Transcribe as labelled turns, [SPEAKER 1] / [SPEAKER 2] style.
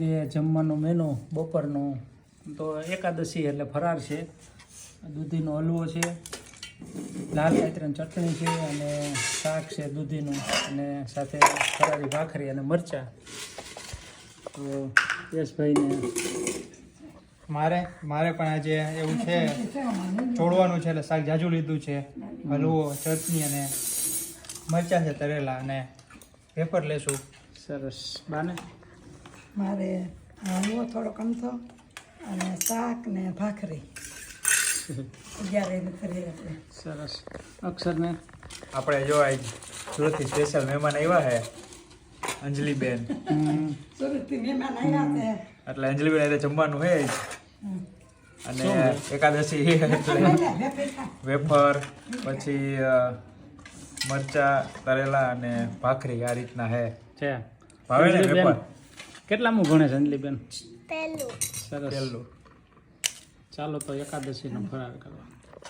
[SPEAKER 1] એ જમવાનું મેનુ બપોરનું તો એકાદશી એટલે ફરાર છે. દૂધીનો હલવો છે, લાલ કાતરાની ચટણી છે અને શાક છે દૂધીનું, અને સાથે ફરારી ભાખરી અને મરચાં. તો યશભાઈને
[SPEAKER 2] મારે પણ આજે એવું છે, ચોળવાનું છે એટલે શાક જાજુ લીધું છે. હલવો, ચટણી અને મરચાં છે તરેલા, અને પેપર લેશું.
[SPEAKER 1] સરસ. બાને
[SPEAKER 3] મારે હલવો થોડો કમથો અને શાક ને ભાખરી 11 કરીએ આપણે.
[SPEAKER 1] સરસ. અક્ષરને
[SPEAKER 2] આપણે જો આજ સુરતથી સ્પેશિયલ મહેમાન આવ્યા છે, અંજલિબેન.
[SPEAKER 3] સુરતથી મહેમાન આવ્યા છે.
[SPEAKER 2] એટલે અંજલિબેન આજે જમવાનું છે જ. અને એકાદશી એટલે વેફર, પછી મરચા તરેલા અને ભાખરી આ રીતના છે. ભાવે ને વેફર?
[SPEAKER 1] કેટલામું ભણે છે અંજલિબેન?
[SPEAKER 4] પહેલું.
[SPEAKER 1] સરસ.
[SPEAKER 2] પહેલું.
[SPEAKER 1] ચાલો તો એકાદશીનો ફરાર કરવા.